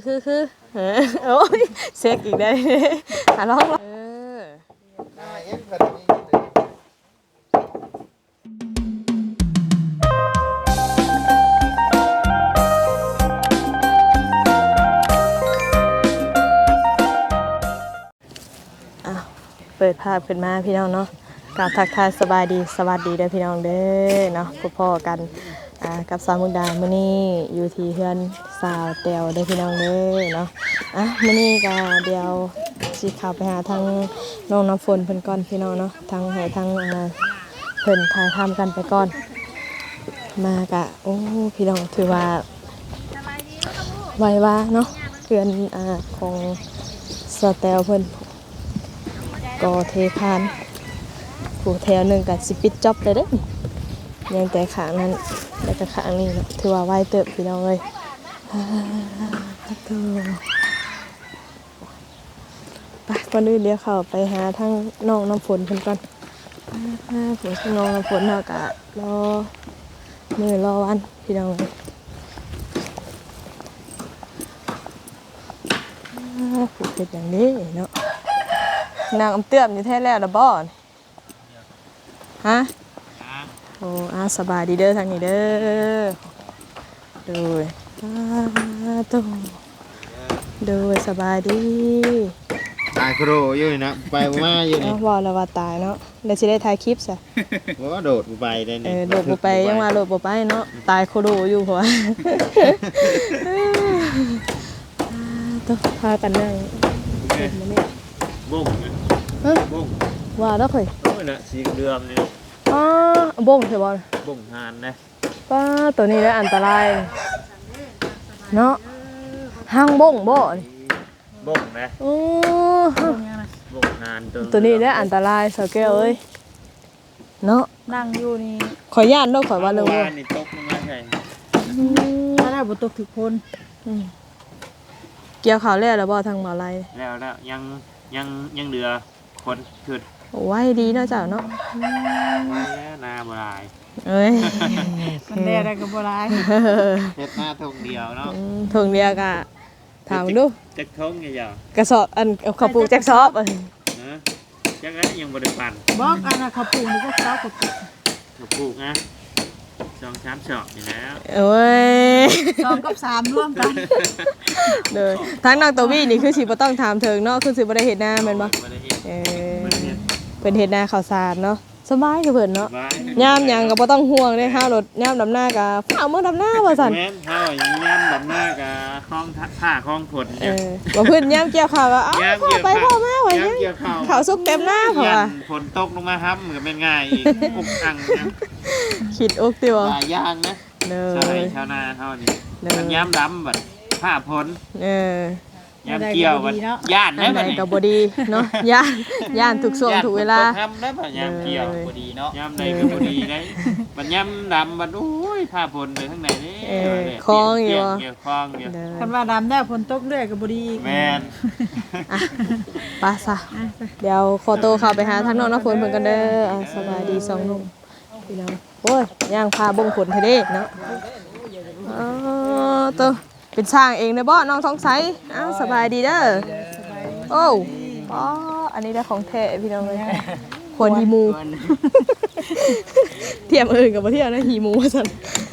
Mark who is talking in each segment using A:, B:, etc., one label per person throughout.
A: คือโอ้ยเซ็กอีกได้ลองเปิดภาพขึ้นมาพี่น้องเนาะกับทักทายสบายดีสวัสดีเด้อพี่น้องเด้อเนาะพ่อกันกับสาวมุกดามื้อนี้อยู่ที่เฮือนสาวแตวเด้อพี่น้องเด้อเนาะมื้อนี้ก็เดี๋ยวสิเข้าไปหาทางน้องน้ำฝนเพิ่นก่อนพี่น้องเนาะทางให้ทางเพิ่นถ่ายทำกันไปก่อนมากะโอ้พี่น้องถือว่าไวว่าเนาะเฮือนของสาวแตวเพิ่นก็เทคานผูแถวหนึ่งกับสิปิดจ็อบเลยเด้ยังแต่ขางนั้นแล้วก็ขางนี้นะถือว่าไวเติบพี่น้องเลยไปก่อนอื่นเดี๋ยวเข้าไปหาทั้งน้องน้ำฝนเพิ่นก่อนผมทั้งน้องน้ำฝนเนาะกะรอมื้อรอวันพี่น้องเลยผูกเป็นอย่างนี้เนาะนางอำเตื้อมอยู่แท้แล้วละบ่ฮะโอ้สบายดีเด้อทางนี้เด้อโดยโดยสบายดี
B: ตายโครอยู่นะไปมาอยู่นี่
A: ว่าแล้วว่าตายเนาะเดี๋ยวสิได้ถ่ายคลิปซะ
B: ว่าโดดไปได้นี่
A: โดดบ่ไปยังว่าโดดบ่ไปเนาะตายโคโดอยู่เพราะว่าต้องพากันนั่งเฮ็ดมื้อนี้
B: บ่งบ่ง
A: ว่าแล้วค่อย
B: โอ้ยน่ะสีเดือมนี่
A: บ่งใช่บ่
B: บ่งหานนะ
A: ป้าตัวนี้ได้อันตรายเนาะห้างบ่งบ่
B: บ่งนะบ่งหาน
A: ตัวนี้ได้อันตรายสาวแก้วเอ้ยเนาะ
C: นั่งอยู่นี่
A: ขอญาตเนาะขอว่าเลย
B: ว่านี่ตกมาใช่
C: ถ้าได้บ่ตกถึกคน
A: เกี่ยวข่าวแล้วบ่ทางหมอไล
B: แล้วยังเหลือคนขึ้น
A: ไว้ดีเนาะเจ้าเนาะ
B: นาบ่ลาย
A: เอ้ย
C: มันแดได้ก็บ่ลาย
B: เฮ็ดหน้าทงเดียวเนาะ
A: ทงเดียวก็ถามดู
B: จักทงยาว
A: กระสอบอันข้าวปลูกจักสอบ
B: นะจักนั้นยังบ่ได้ปั่น
C: บอกอันน่ะข้าวปลูกนี่ก็เช้ากับ
B: ข้าวปลูกนะ2-3 ชอบนี่แล้ว
A: โอ้ย
C: 2กับ3ร่วมกัน
A: เด้อทั้งนางตวี่นี่คือสิบ่ต้องถามเถิงเนาะคือสิบ่ได้เฮ็ดนาแม่นบ่
B: บ่ได้เฮ็ด
A: เพิ่นเฮ็ดนาข้าวสารเนาะสบายคือเพิ่นเนาะยามหยังก็บ่ต้องห่วงเด้เฮารถยามดำนาก็ฟ้าวมื้อดำนาว่าซั่น
B: แม่นเฮายามดำนาก็คล้องผ้าคล้องผล
A: บ่เพิ่นยามเกี่ยวข้าวก็พ่อไปพ่อมาว่าหยังข้าวสุกเต็มหน้าเพราะว่า
B: ฝนตกลงมาครับก็แม่นง่ายอีกอุกอังนะ
A: คิดอกติว่า
B: หลายอย่างนะชาวนาเฮานี่มันยามดำบัดผ้าผลยามเกี่ยวบัดย่านได้บัด
A: นี่ก็บ่ดีเนาะย่านทุกช่วงทุกเวลา
B: ทำได้บัดยามเกี่ยวบ่ดีเนาะยามใดก็บ่ดีได้บัดยามดำบัดโอ้ยผ้าผลเลยข้างในนี่
A: คล้องอยู่
B: คล้องอยู่
C: คันว่าดำได้ฝนตกเรื่อยก็บ่ดี
B: แม่น
A: ไปซะเดี๋ยวขอโตเข้าไปหาทางน้องน้ำฝนเพิ่นกันเด้อสบายดี2หนุ่มพี่น้องโอ้ยย่างพาบ่งผลเทเด้เนาะโตเป็นช่างเองเด้อบ่น้องท้องใสสบายดีเด้อโอ้อันนี้ได้ของแท้พี่น้องเลยควรหีมูเทียมอื่นกับบ่เทียมนะหีมูว่าซั่น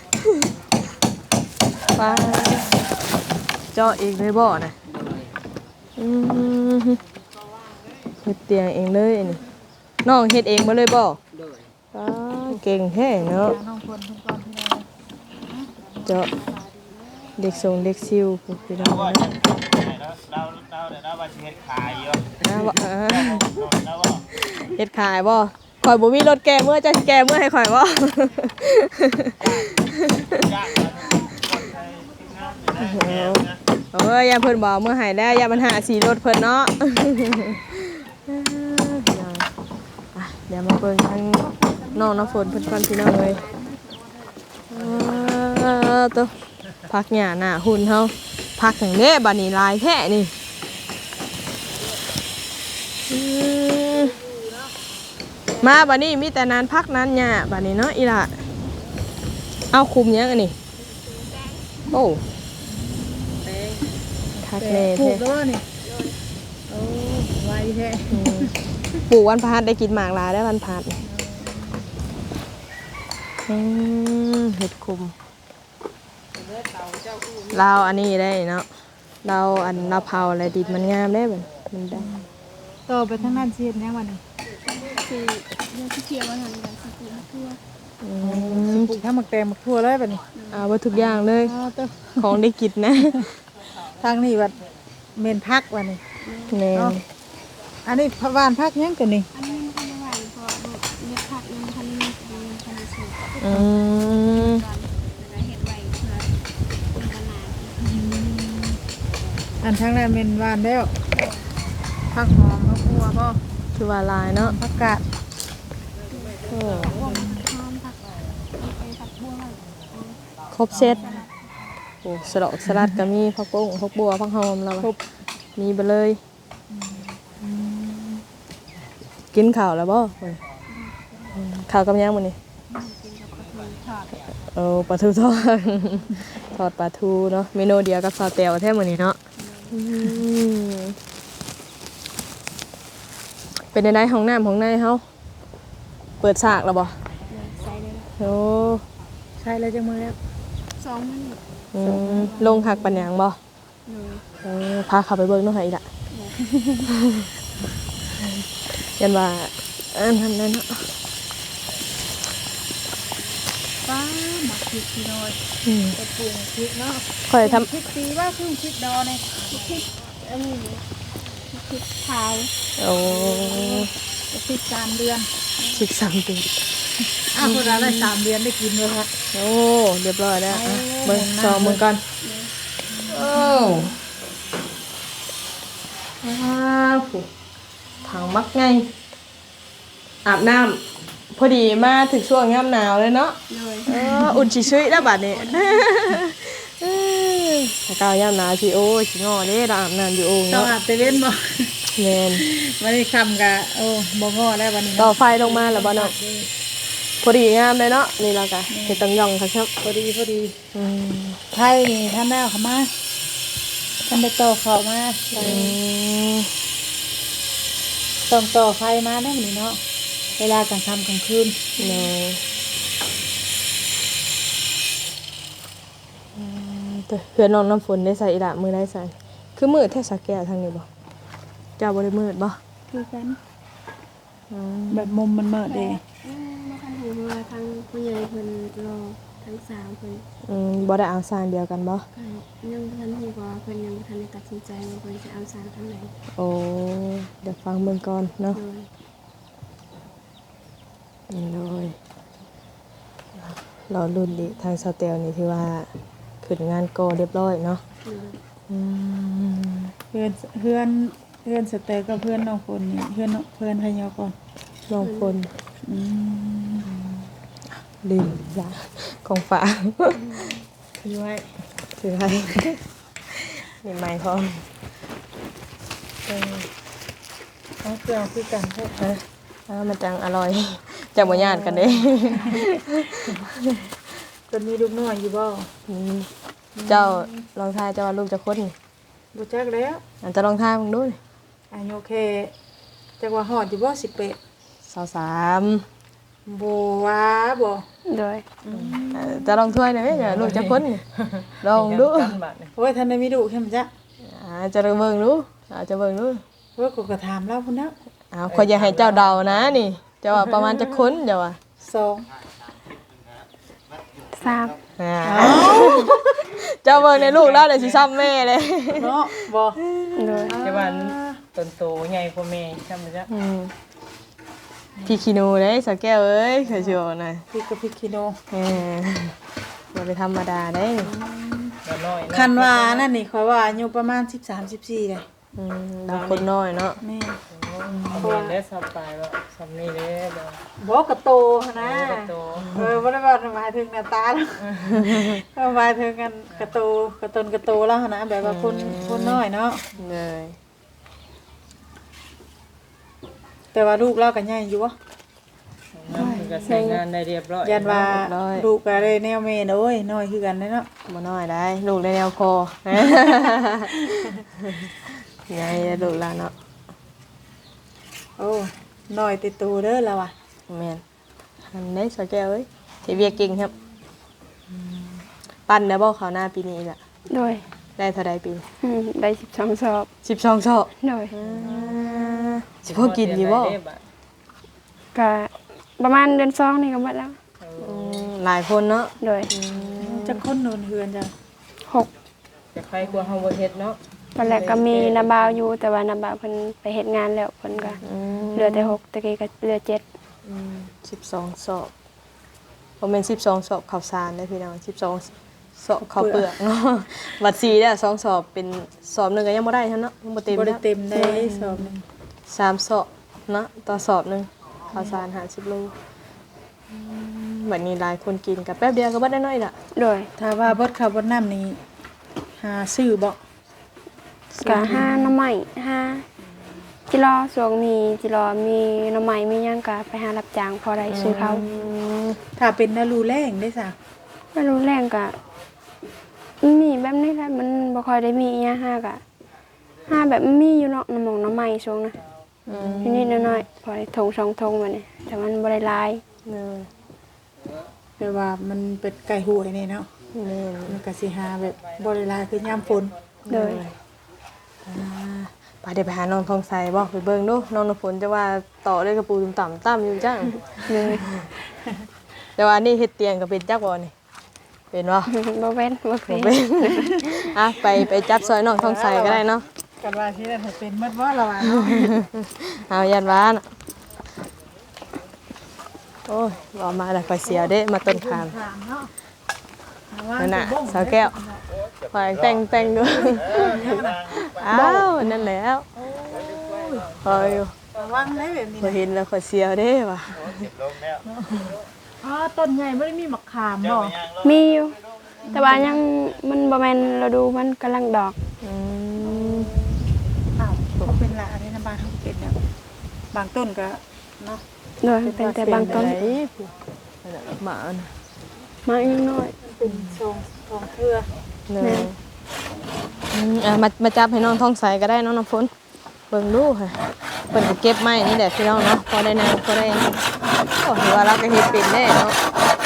A: ป้าเจาะเองเลยบ่น่ะเฮ็ดเตียงเองเลยนี่น้องเฮ็ดเองบ่เลยบ่เก่งแท้เนาะเจาะเด็กส่งเด็กซิวพี่น้อง
B: เราว่าสิเฮ็ดขายอยู่
A: เฮ็ดขายบ่ข่อยบ่มีรถแก้เมื่อจะแก้เมื่อให้ข่อยบ่อย่าเพิ่นบ่เมื่อให้แล้วอย่ามันหาสีรถเพิ่นเนาะเดี๋ยวมาเบิ่งทางน้องน้ำฝนเพิ่นก่อนพี่น้องเลยตัวพักหญ้าหน้าหุ่นเฮาพักจังเด้บัดนี้ลายแท้นี่มาบัดนี้มีแต่นานพักนานหญ้าบัดนี้เนาะอีหล่ะเอาคุมยังอันนี้โอ้ทคักแน่
C: ปลู
A: แท้
C: กแล้วนี่โอ้ไวแท้
A: ปลูกวันพฤหัสได้กินหมากหลายได้วันพฤหัสเห็ดคุมเราอันนี้ได้เนาะเราอันเราเผาอะไรดิบมันงามได้แบบมันได้
C: ต่อไปทางนั้นสิเฮ็ดหยังวันนี้
D: คือเรื่องที่เที่ยวว่าทางการสกูทั่ว
C: ปลูกทั้งหมักแตงหมักทั่วเลยบัดนี้
A: เอาไว้ทุกอย่างเลย
C: อ้าวเต้อ
A: ของได้กินนะ
C: ทางนี้บัดเมนพักวันนี้
A: แม่น
C: อันนี้พะวานพักหยังกันนี่
D: อันนี้มันทันหวานเพราะเม็ดผักยังทันมียังทันสุก
A: อืม
D: ก่อนแล้วเห็ดไว้เพื่อเป็นขนาด
C: อันทางนั้นเมนหวานแล้วผักหอมผักบัวบ่
A: คือว่าลายเนาะ
C: ผักกาด
A: โอ้
D: พวกหอมผักไปผักบัว
A: ครบเซตโอ้สลัดสลัดก็มีผักบุ้งผักบัวผักหอมแล้ว
C: ครบ
A: มีไปเลยกินข้าวแล้วบ่ข้าวกับยังมื้อนี้
D: กินกับกระเทียมทอด
A: ปลาทูทอด ทอดปลาทูเนาะเมนูเดียวกับซาเตียวแท้มื้อนี้เนาะเป็นในห้องน้ำของในเฮาเปิดฉากแล้วบ่
D: ใส่เลย
A: โอ้
C: ใช่แล้วจังมือแล้ว
D: 2 มื้อ
A: ลงหักปัญญังบ่
D: เลย
A: พาเข้าไปเบิ่งเนาะให้อีกละยันว่าทำได้เนาะ
C: ป้าหมักพริกพี่น้อยกระปุกพริกเนาะ
A: ค่อยท
C: พริกปีว่าพึ่งพริกดอเนี่ย
D: อันนี้พริกขาว
A: ำโอ้
C: พริก3 เดือน
A: สิกสามปี
C: อ้าวคนละได้3 เดือนได้กินเลยครับ
A: โอ้เรียบร้อยแล้วอ่ะเบิ่งซองมึงก่อนโอ้ผู้ถังมักไงอาบน้ำพอดีมาถึงช่วงยามหนาวเลยเนาะ
D: เลย
A: อุ่นชิชุยแล้วบัดนี้ถ้าก้าวยามหนาวสิโอ้ยสิงอเด้เราอาบน้ำอยู่โอ่ง
C: ต้อง
A: เนาะ
C: อาบเตเว่นบ่
A: แม่น
C: วันนี้คำกะโอ้บ่งอแล้ววันนี้
A: ต่อไฟลงมาแล้วบ่เนาะพอดีงามเลยเนาะนี่เราก็เฮ็ดตังยองค่ะครับ
C: พอดีพอดี
A: อืม
C: ไทยนี่ท่านแม่เขามาท่านไปต่อเขามา
A: อืม
C: ต้องต่อไฟมาได้วันนี้เนาะเวลากลางค่ำกลางคืน
A: เนาะแต่เพื่อนน้องน้ำฝนได้ใส่อีหละมือได้ใส่คือมืดแท้สักแก้วทางนี้บ่เจ้าบ่ได้มืดบ่
D: คือกัน
A: อืม
C: แบบมุมมันเมิดเด้
D: มาคันหูมาทางผู้ใหญ่เพิ่นรอทั้ง3เพิ่น
A: บ่ได้เอาสร้างเดียวกันบ่
D: ก็ยังบ่ทันฮู้ว่าเพิ่นยังบ่ทันได้ตัดสินใจว่าเพิ่นจะเอาสารทางไหน
A: โอ้เดี๋ยวฟังเบิ่งก่อนเนาะ
D: โดย
A: เลยเรารุ่นดิทางสเตลนี่ที่ว่าขึ้นงานโกเรียบร้อยเนาะ
D: โดย
A: อืม
C: เพื่อนเพื่อนเพื่อนสเตย์ก็เพื่อนน้องคนนี่เพื่อนน้องเพื่อนพยาก่อน
A: ลองคน
C: อืม
A: ลืมยาของฝาก
C: คือไว้
A: ถือให้นี่ไม้พร้อม
C: เอาเครื่องคือกันพวก
A: มันจังอร่อยจังบ่ญาติกันเด้
C: คนมีลูกน้อยอยู่บ่
A: อืมเจ้าลองทายเจ้าว่าลูกจะคนนี่
C: บ่จักแล้ว
A: อันจะลองทายมึงดูนี่
C: อายุแค่จักว่าฮอดอยู่บ่
A: 23
C: 18บ่ว่าบ่
D: โดย
A: จะลองถ้วยได้ไหมเดี๋ยวลูกจะคนนี่ลองดู
C: โอ้ยท่านได้มีลูกแค่มั้ยจ๊ะ
A: จะลองเบิ่งดูจะเบิ่งดู
C: โอ้ยก็ถามเราพุ่นนะ
A: ขอยอยากให้เจ้าเดานะนี่เจ้าว่าประมาณจะค้นเจ้าว่า
C: 2
D: 3
A: เจ้าเบิ่งในลูกแล้วเดี๋ยวสิซ้ำแม่เลย
C: เนาะบ่
D: โดย
E: แต่ว่าต้นโตใหญ่กว่าแม่จำบ่จ๊ะ
A: พี่คีนูเด้สักแก้วเอ้ยเคยเชื่อหน่อย
C: พี่กับพี่คิโน
A: บ่ได้ธรรมดาได้
E: ก็น้อยนะ
C: คันว่านั่นนี่ข่อยว่าอายุประมาณ13 14เลย
A: เราคนน้อยเนาะ
C: แม่
E: เรียนได้สบายว่าสำนี้เด้บ่
C: บ่กระโตหั่นนะ
E: ก็โต
C: บ่ได้ว่าหมายถึงหน้าตาแล้วก็หมายถึงกันกระโตกระตนกระโตแล้วหั่นนะแบบว่าคนน้อยเนาะ
A: เลย
C: แต่ว่าลูกเราก็ใหญ่อยู่บ่
E: งามคือก็ใช้งานได้เรียบร้อย
C: ยันว่าลูกก็ได้แนวแม่นะโอ้ยน้อยคือกันเนาะ
A: บ่น้อยได้ลูกได้แนวคอ ไงลูกหลานเนาะ
C: โอ้น้อยติดตูเด้อแล้วว่ะ
A: แม่นอันนี้สาวแก้วเอ้ยเฮ็ดเวียกเก่งครับปั้นได้บ่ข้าวหน้าปีนี้ล่ะ
D: โดย
A: ได้เท่าใดปี
D: ได้12สอบ
A: 12ซอก
D: โดย
A: สิพอกินอยู่บ่
D: ก็ประมาณเดือน2นี่ก็หมดแล้ว
A: หลายคนเนาะ
D: โดย
C: จะคนโดนเฮือนจ้ะ
D: 6
E: จะใครกลัวเฮาบ่เฮ็ดเนาะ
D: ตอนแรกก็มีนาบาวอยู่แต่ว่านาบาวเพิ่นไปเฮ็ดงานแล้วเพิ่นก็เหลือแต่6ตะกี้ก็เหลือ7
A: 12ซอกบ่แม่น12ซอกข้าวสารเด้อพี่น้อง12ซอกข้าวเปลือกเนาะบัด4เด้อ2ซอกเป็นสอบหนึงก็ยังบ่ได้เท่าเนาะยังบ่เต็ม
C: บ่ได้
A: เนาะ
C: เต็มได้สอบหนึง
A: 3ซอกเนาะต่อสอบหนึงข้าวสาร50โลบัดนี้หลายคนกินก็แป๊บเดียวก็เบิดได้น้อยล่ะ
D: โดย
C: ถ้าว่าเบิดข้าวเบิดน้ำนี่หาซื้อบ่
D: ก็5หน่อไม้5จิรอช่วงนี้จิรอมีหน่อไม้มีหยังก็ไปหารับจ้างพอได้ซื้อเขาว
C: ถ้าเป็นนารูแรงได้ซะ
D: ไม่รู้แรงก็มีแบบนี้แหละมันบ่ค่อยได้มีอีหยังห้าแบบมันมีอยู่เนาะน้ำหมองน้ำไม้ช่วงนะนิดๆหน่อยๆพอได้ทงสองทงมาเนี่ยแต่มันบ่ได้หลาย
A: เนย
C: แปลว่ามันเป็นไก่หวยนี่เนาะ
A: แม่น
C: มันก็สิหาแบบบ่ได้หลายคือยามฝน
D: โดย
A: ไปเดี๋ยวไปหาน้องทองใสบ่ไปเบิ่งดูน้องน้ำฝนจะว่าต่อด้วยกระปูต่ำๆต่ำอยู่จัง
D: เลย
A: แต่ว่านี่เฮ็ดเตียงก็เป็นจักบ่นี่เป็นบ่
D: บ่เว้นบ่
A: บ่
D: เป็น
A: เป็นอ่ะไปจับซอยน้องทองใสก็ได้เนาะ
C: กันว่าที่นั่นให้เป็นหมดบ่ละว่าเนาะ
A: เอายันว่าน่ะโอ้ยบ่มาแล้วก็เสียวเด้มาต้นขาม
C: ถามเนาะว่า
A: นั่นน่ะสาวแก้วขอแต่งดูอ้าวนั่นแล้วพออยู่
C: ระวังได้แบบนี้
A: พอเห็นแล้วขอเสียวเด้ว่ะ
C: อ๋อต้นใหญ่บ่ได้มีมะขามบ่
D: มีอยู่แต่ว่ายังมันบ่แม่นฤดูมันกำลังดอก
A: อืม
C: อ้าวก็เป็นละอันนี้นะบ้านเฮาเป็นแบบบางต้นก็เนาะ
D: โดยเป็นแต่บางต้น
A: ไหนหมาน่ะ
D: มาอีกน้อย
C: เป็นทรงเครือ
A: เนยมาจับให้น้องท้องใสก็ได้น้องน้ำฝนเบิ่งดูค่ะเพิ่นก็เก็บไม้นี่แหละพี่น้องเนาะพอได้นางพอได้โอ้ถือว่าเราก็เฮ็ดเป็นแน่เนาะ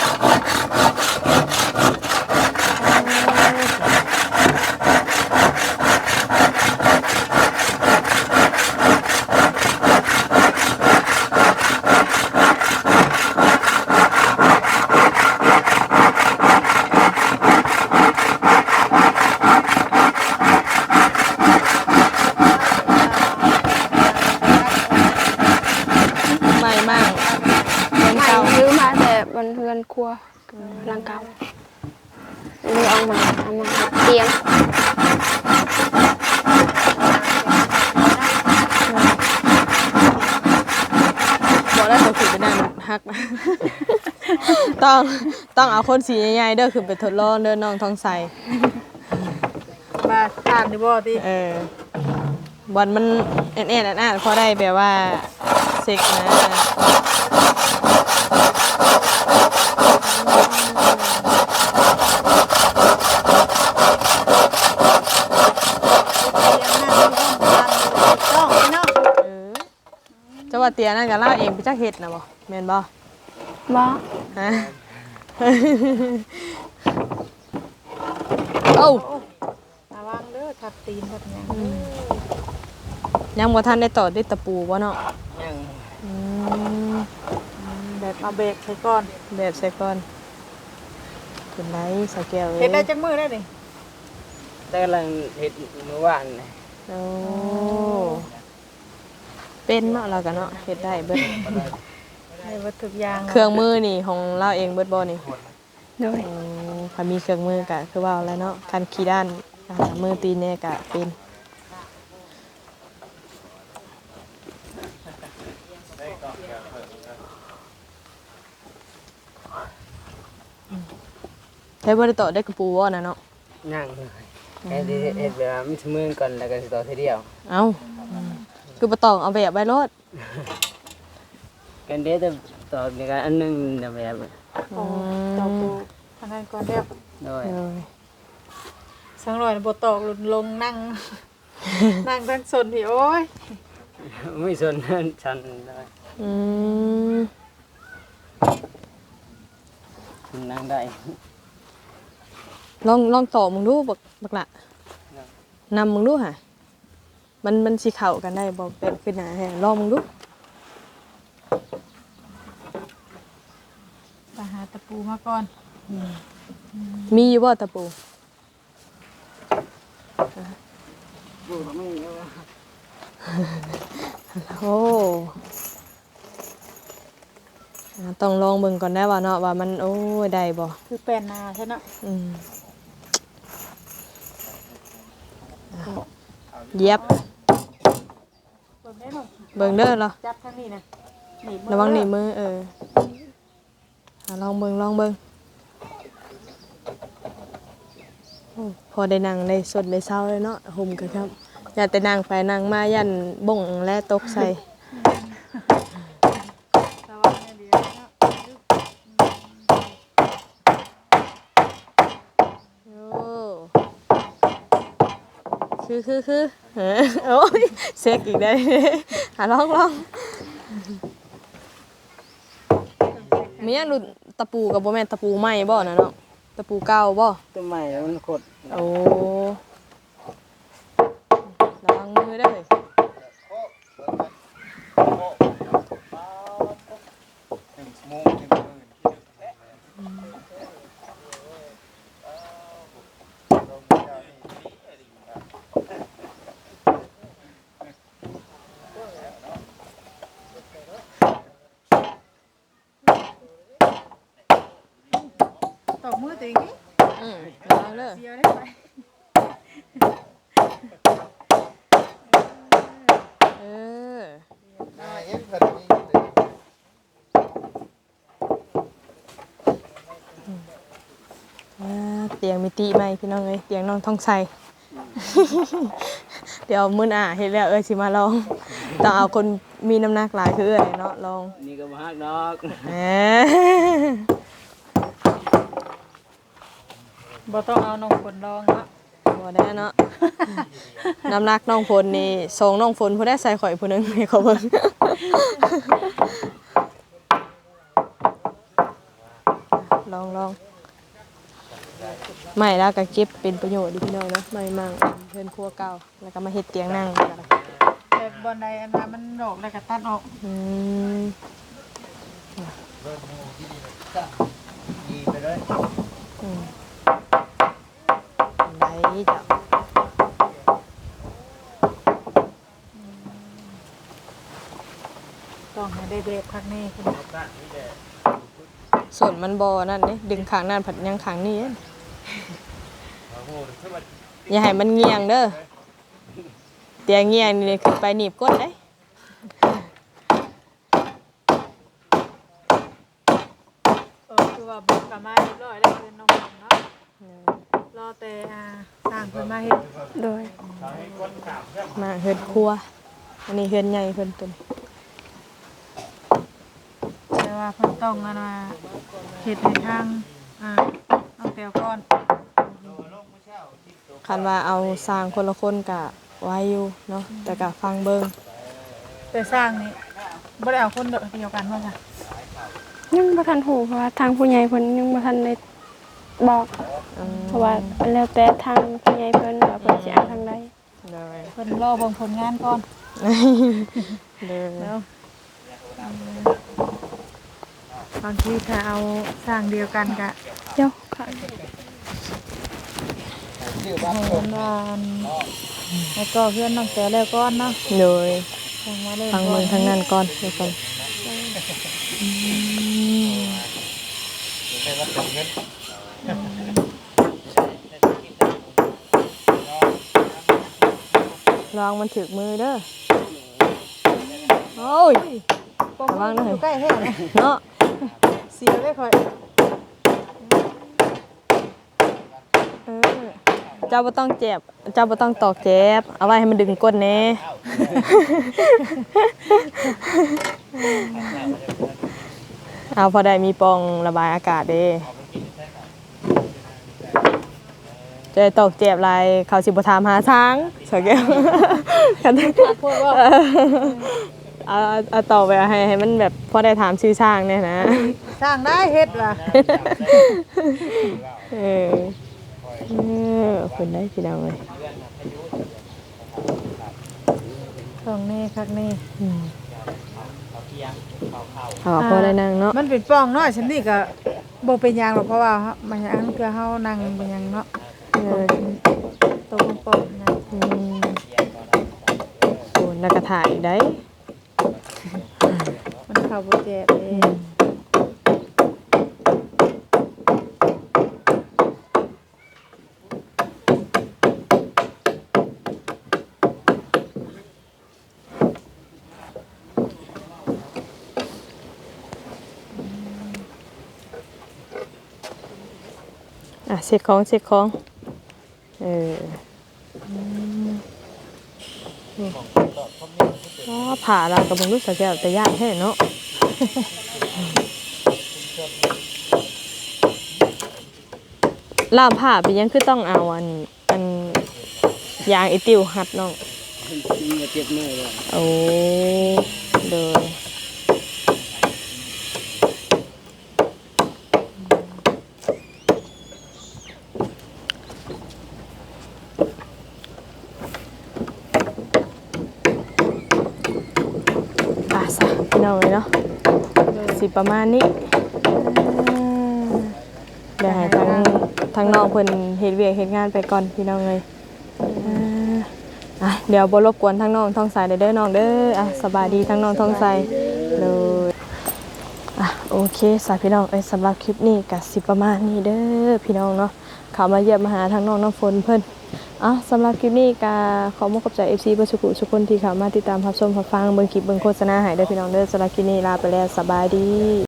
A: ไม่มากเงิน
D: ใหม่
A: เก่า
D: ซื้อมาแต่บนเรือนครัวหลังเก่าเลยเอามาเตียง
A: บอกแล้วตัวขึ้นไปนั่งฮักนะ ต้องเอาคนสีใหญ่ๆเด้อขึ้นไปทดลองเด้อน้องทองใส
C: มาทานดิบ่ติ
A: บอลมันแอนๆอ่านพอได้แบบว่าเซ็กนะจะว่าเตียนั่นกับเราเองไปจักเห็ดนะบ่แม่นบ่
D: บ่
A: ฮะ โอ้
C: ระวังเด้อทับตีนทับหยัง
A: ยังบ่ทันได้ต่อด้วยตะปูบ่เนาะ
E: ยัง
A: อืม
C: แบบเอาเบรกใส่ก่อน
A: แบบใส่ก่อนขึ้นไหนสแก้วเอ้ย
C: เฮ็ดได้จักมื้อได้นี่
E: แต่กำลังเฮ็ดเมื่อวานนี่
A: โอ้เป็นเนาะเรากันเนาะเฮ็ดได้เบิด
C: ให้วัตถุกอย่าง
A: เครื่องมือนี่ของเราเองเบิดบ่นี่
D: โดย
A: ถ้ามีเครื่องมือก็คือว่าแล้วเนาะคันขี่ด้านมือตีนเนี่ยก็เป็นใช้บ่ได้ต่อได้กระปูบ่น่ะเนาะ
E: ยังเฮ็ดแบบว่ามันมือก่อนแล้วก็สิต่อทีเดียว
A: เอ้าคือบ่ต้องเอาแบบไว้รถ
E: กันเด้แต่ต่อในการอันนึงแบบ
C: โอ้ตอกปูทางนั้นก่อนเด้อ
E: โดย
A: เลย
C: สังหน่อยบ่ตอกลงนั่ง นั่งทั้งสนพี่โอ้ย
E: ไม่สนฉันได้
A: อืม
E: นั่งได้
A: ลองต่อมึงดูบักละนำมึงดูค่ะมันสิเข้ากันได้บ่เป็นขึ้นหน้าแฮะลองมึงดู
C: ไปหาตะปูมาก่อน
A: มีอยู่บ่ตะปู โอ้ต้องลองเบิ่งก่อนได้ว่าเนาะว่ามันโอ้ยได้บ่
C: คือแป้นนาใช่เนาะ
A: อืมเย็บ
C: เบิ่งได้หน่อย
A: เบิ่งเด้อเหรอ
C: จับทางนี้นะหนีบมือ
A: ระวังหนีบมือลองเบิ่งโอ้พอได้นั่งได้สดได้เศร้าเลยเนาะห่มกันครับอย่าแต่นั่งไปนั่งมายันบ่งและตกใส่
C: ระวังให้ดีเนาะ
A: โอ้คือโอ้ยเซ็กอีกได้ ลองมีอันดูตะปูกับบ่แม่นตะปูใหม่บ่นะเนาะตะปูเก่าบ่
E: ต้นไม้มันขด
A: โอ้ระวังมือได้อ
C: ตอกมือตัวเองนี่
A: ระวังเด้อ
C: เดียวได้ไหม
A: เออเตียงมิติใหม่พี่น้องเอ้ยเตียงน้องทองใส เดี๋ยวมื้อหน้าเฮ็ดแล้วสิมาลองต้องเอาคนมีน้ำหนักหลายคือเนาะลอง
E: นี่ก็บ่ฮักดอก
A: แหม
C: บ่ต้องเอาน้องฝนลองเนาะ
A: บ่ได้เนาะ น้ำหนักน้องฝนนี่ส่งน้องฝนผู้ได้ใส่ข่อยผู้หนึงให้เขาเบิ่ง ลองไม่แล้วก็เก็บเป็นประโยชน์ดีพี่น้องเนาะไม่มั่งเพิ่นครัวเก่าแล้วก็มาเฮ็ดเตียงนั่งกัน
C: แต่บอนใดอันนั้นมันดอกแล้วก็ตัดออก
A: อืม
B: ดีไปเลย
A: ได้จ้ะ
C: ต้องให้ได้เบรกพักนี้คุณ
A: ส่วนมันบ่นั่นเด้ดึงข้างนั้นผัดยังข้างนี้เด้อย่าให้มันเงียงเด้อเตียงเงียงนี่ขึ้นไปหนีบก้นได้
C: คือว่าบุกกลับมาเรียบร้อยแล้วเป็นน้องฝนเนาะรอแต่สร้างเพิ่นมาเฮ็ด
D: โดย
A: มาเฮือนครัวอันนี้เฮือนใหญ่เพิ่นเป็น
C: แต่ว่าเพิ่นต้องอันว่าเฮ็ดให้ทางน้องแต้วก่อน
A: คันว่าเอาสร้างคนละคนก็ไว้อยู่เนาะแต่ก็ฟังเบิ่ง
C: แต่สร้างนี่บ่ได้เอาคนเดียวกันบ่จ้ะ
D: ยังบ่ทันหูเพราะว่าทางผู้ใหญ่เพิ่นยังบ่ทันได้บอก เพราะว่าแล้วแต่ทางผู้ใหญ่เพิ่นว่าเพิ่นสิเอาทางใด
A: เลย
C: เพิ่นรอเบิ่งผลงานก่อน
A: เลย
C: แล้วบางทีถ้าเอาสร้างเดียวกันก็
D: เดี๋ยวค่ะ
C: ให้มันว่าแล้วก็เพื่อนน้องแต้วแล้วก่อนเนาะ
A: เลย
C: ทางมาเล่น
A: ฟังเบิ่งทางนั้นก่อนเดี๋ยวก่อนลองมันถึกมือเด้อโอ้ย ระวังหน่อย
C: อยู่ใกล้แท้นะ
A: เนาะ
C: เสียเลยค่อย
A: เออจจ้าบ่ต้องเจ็บเจ้าบ่ต้องตอกเจ็บเอาไว้ให้มันดึงก้นแน่เอาพอได้มีปองระบายอากาศเด้จะตอกเจ็บอะไรเขาสิบ่ถามหาทางสแก้วกันพูดว่าเอาต่อไปให้มันแบบพอได้ถามชื่อช่างเนี่ยนะ
C: สร้างได้เฮ็ดว่ะ
A: เออคนได้พี่น้องเลย
C: ของนี่คักนี่
A: เอาพอได้นั่งเนาะ
C: มันเป็นป้องเนาะฉันนี่ก็บ่เป็นหยังหรอกเพราะว่ามันอันคือเฮานั่งเป็นหยังเนาะตัวป้องๆนะ
A: โอ้นักกระถ่ายได้
C: มันเข้าบ่เจ็บเด้
A: เช็คของผ่าเรากับมึงรู้สึกแต่ยากแค่เนาะล่ามผ่าไปยังคือต้องเอาอันยางไอติวหัดน้องโอ้เด้อพี่น้องเลยเนาะสิประมาณนี้เดี๋ยวให้ทางน้องเพิ่นเฮ็ดเวียกเฮ็ดงานไปก่อนพี่น้องเลยเดี๋ยวบ่รบกวนทางน้องท้องใสเด้อน้องเด้อสบายดีทางน้องท้องใสเลยโอเคสาพี่น้องสำหรับคลิปนี้ก็สิประมาณนี้เด้อพี่น้องเนาะเข้ามาเยี่ยมมาหาทางน้องน้ำฝนเพิ่นสำหรับคลิปนี้ก็ขอมอบใจ FC เบอร์สุขุทุกคนที่เข้ามาติดตามรับชมรับฟังเบิ่งคลิปเบิ่งโฆษณาให้เด้อพี่น้องเด้อสำหรับคลิปนี้ลาไปแล้วสบายดี